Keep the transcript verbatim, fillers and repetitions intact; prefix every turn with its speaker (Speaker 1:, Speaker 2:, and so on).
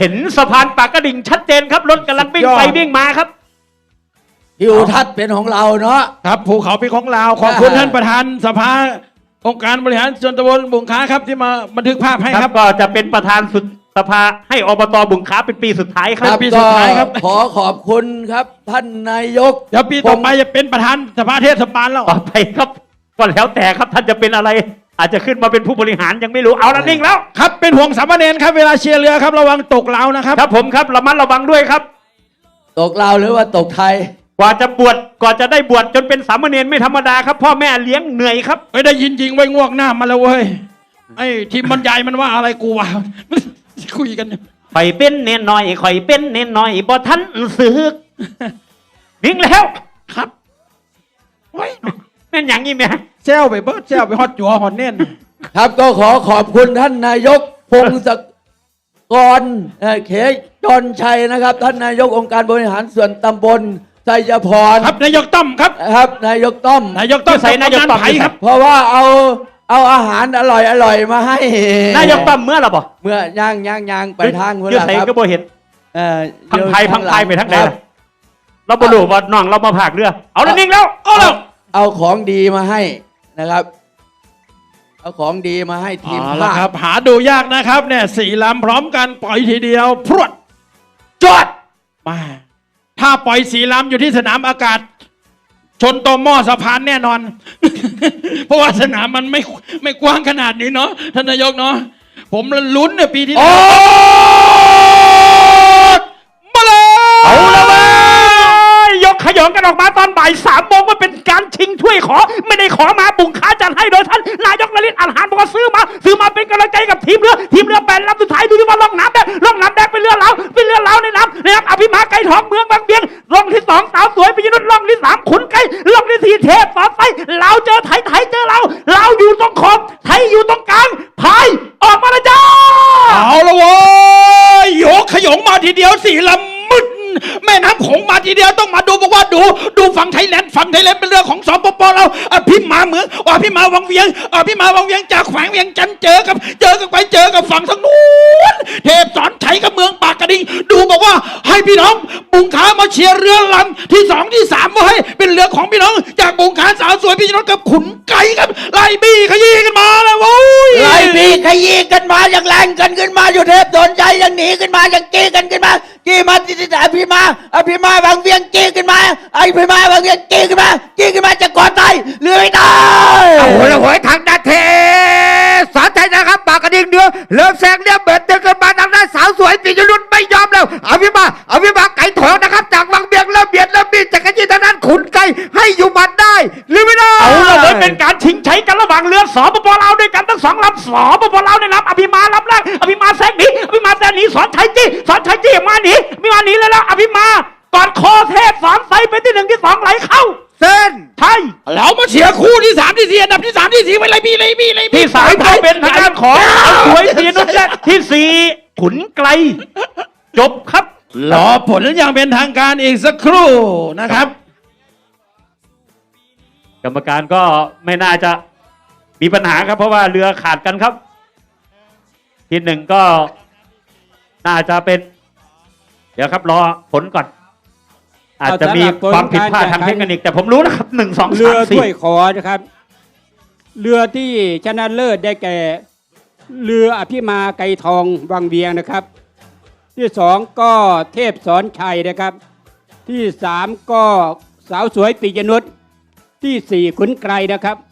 Speaker 1: เห็นสะพานปากกระดิ่งชัดเจนครับรถกำลังวิ่งไปวิ่งมาครับ
Speaker 2: ทิวทัศน์เป็นของเราเนาะ
Speaker 3: ครับภูเขาเป็นของเราขอบคุณท่านประธานสภาองค์การบริหารส่วนตำบลบุงค้าครับที่มาบันทึกภาพให้ครับ
Speaker 1: ก็จะเป็นประธานสุดสภาให้อบตบุงค้าเป็นปีสุดท้ายครับ
Speaker 3: ปีสุดท้ายครับ
Speaker 2: ขอขอบคุณครับท่านนายก
Speaker 3: เดี๋ยวปีต่อไปจะเป็นประธานสภาเทศบาลแล้ว
Speaker 1: ต่อไปครับก็แล้วแต่ครับท่านจะเป็นอะไรอาจจะขึ้นมาเป็นผู้บริหารยังไม่รู้เอาละนิ่งแล้ว
Speaker 3: ครับเป็นห่วงสามเณรครับเวลาเชียร์เรือครับระวังตกเหลานะครับ
Speaker 1: ครับผมครับระมัดระวังด้วยครับ
Speaker 2: ตกลาวหรือว่าตกไทย
Speaker 1: กว่าจะบวชกว่าจะได้บวชจนเป็นสามเณรไม่ธรรมดาครับพ่อแม่เลี้ยงเหนื่อยครับ
Speaker 3: ไม่ได้ยินจริงไว้งวกหน้ามาแล้วเว้ยไอ้ทีมบรรยายมันว่าอะไรกูวะคุยกัน
Speaker 1: ข่อยเป็นเน้นหน่อยข่อยเป็นเน้นหน่อยบ่ทันสึกนิ่งแล้ว
Speaker 3: ครับ
Speaker 1: โอ้ยแม่นอย่างนี้ไหม
Speaker 3: เซลไปเบิร์ดเซลไปฮอตจัวฮอตเน่น
Speaker 2: ครับก็ขอขอบคุณท่านนายกพงศกรเขจรชัยนะครับท่านนายกองค์การบริหารส่วนตำบลไสยพร
Speaker 3: ครับนายกต้อมครับ
Speaker 2: ครับนายกต้อม
Speaker 3: นายกต้อมใส่นายกต้อมครับ
Speaker 2: เพราะว่าเอาเอาอาหารอร่อยอร่อยมาให้
Speaker 1: นายกต้อมเมื่อหรอบ่
Speaker 2: เมื่อย่างย่างย่างไปทาง
Speaker 1: เมื่อไหร่ก็บ่เห็น
Speaker 2: เออ
Speaker 1: พังไทยพังไทยไปทั้งไหนเราบ่รู้ว่าน้องเรามาผากเรือเอาแล้วนิ่งแล้วเอาแล้ว
Speaker 2: เอาของดีมาให้นะครับเอาของดีมาให้ทีม
Speaker 3: ภาคครับหาดูยากนะครับเนี่ยสี่ลำพร้อมกันปล่อยทีเดียวพรวดจอดมาถ้าปล่อยสี่ลำอยู่ที่สนามอากาศชนต่อหม้อสะพานแน่นอน เพราะว่าสนามมันไม่ไม่กว้างขนาดนี้เนาะท่านนายกเนาะผมลุ้นเนี่ยปีที่แล้วมาเลย
Speaker 1: เอาละเว้ยยกขยงกันออกมาตอนบ่ายสามโมงว่าเป็นการชิงถ้วยขอไม่ได้ขอมาบุงค้าจัดให้โดยท่านนายกนฤทธิ์อันหารบอกว่าซื้อมาซื้อมาเป็นกำลังใจกับทีมเรือทีมเรือแปดลำสุดท้ายดูที่ว่าล่องน้ำแดงล่องน้ำแดงเป็นเรือเหลาเป็นเรือเหลาในน้ำนะครับอภิมาไก่ทองเมืองบางเบียงล่องที่สองสาวสวยปิยนุชล่องที่สามขุนไก่ล่องที่สี่เทพสอนไฟเราเจอไทยไทยเจอเราเราอยู่ตรงขอบไทยอยู่ตรงกลางพายออกมาแล้วจ้า
Speaker 3: เอาละโว้ยยกขยงมาทีเดียวสี่ลำมึดแม่น้ำโขงมาทีเดียวต้องมาดูบอกว่าดูดูฝั่งไทยแลนด์ฝั่งไทยแลนด์เป็นเรือของสปปเราอภิมาเหมืองอภิมาวังเวียงอภิมาวังเวียงจากแขวงเวียงจันทร์เจอกับเจอกันไปเจอกับฝั่งทางนู้นเทพสอนชัยกับเมืองปากกระดิ่งดูบอกว่าให้พี่น้องบุงค้ามาเชียร์เรือลำที่สองที่สามว่าให้เป็นเรือของพี่น้องจากบุงค้าสาวสวยพี่น้องกับขุนไก่ครับไล่บี้ขยี้กันมาแล้วโว้ย
Speaker 2: ไล่บี้ขยี้กันมาอย่างแรงกันขึ้นมาอยู่เทพสอนชัยยังหนีขึ้นมายังจี้กันขึ้นมาจี้มาจี้จี้อภิมาอภิมาบางเวียงจี้ขึ้นมาไอ้พี่มาบางเวียงจี้ขึ้นมาจี้ขึ้นมาจะก่อตายเรือไม่ได้
Speaker 4: โอ้โหแล้วหวยทางด้านเทสอนชัยนะครับปากกระดิ่งเดือเริ่มแซงเนี่ยเบิดเดินขึ้นมาทางด้านสาวสวยปิยนุชไม่ยอมแล้วอภิมาอภิมาไก่ถอยนะครับจากวังเบียงเริ่มเบียดเริ่มบีดจากกระจีทางด้านขุนไก่ให้อยู่บัดได้หรือไม่ได้
Speaker 1: เอาเลยเป็นการชิงชัยกันระหว่างเรือสปปลาวด้วยกันทั้งสองลำสปปลาวในลำอภิมาลำแรกอภิมาแซงหนีอภิมาแซงหนีสอนชัยจี้สอนชัยจี้มาหนีมีมาหนีแล้วอภิมากอดคอเทพสอนไฟไปที่หนึ่งที่สองไหลเข้า
Speaker 4: เส้น
Speaker 1: ไทย
Speaker 3: เรามาเชียร์คู่ที่สามที่สี่อันดับที่สามที่สี่ไปเลยพี่เลยพี่เลย
Speaker 1: ที่สามเป็นทางด้านของสวยปีนุชและที่สี่ขุนไกลจบครับ
Speaker 3: รอผลอย่างเป็นทางการอีกสักครู่นะครับ
Speaker 1: กรรมการก็ไม่น่าจะมีปัญหาครับเพราะว่าเรือขาดกันครับที่หนึ่งก็น่าจะเป็นเดี๋ยวครับรอผลก่อนอาจจะมีความผิดพลาดทางเทคนิคแต่ผมรู้นะครับหนึ่งสองสามสี่
Speaker 5: เรือถ้วยขอนะครับเรือที่ชนะเลิศได้แก่เรืออภิมาไกรทองวังเวียงนะครับที่สองก็เทพสอนชัยนะครับที่สามก็สาวสวยปิยนุชที่สี่ขุนไกรนะครับ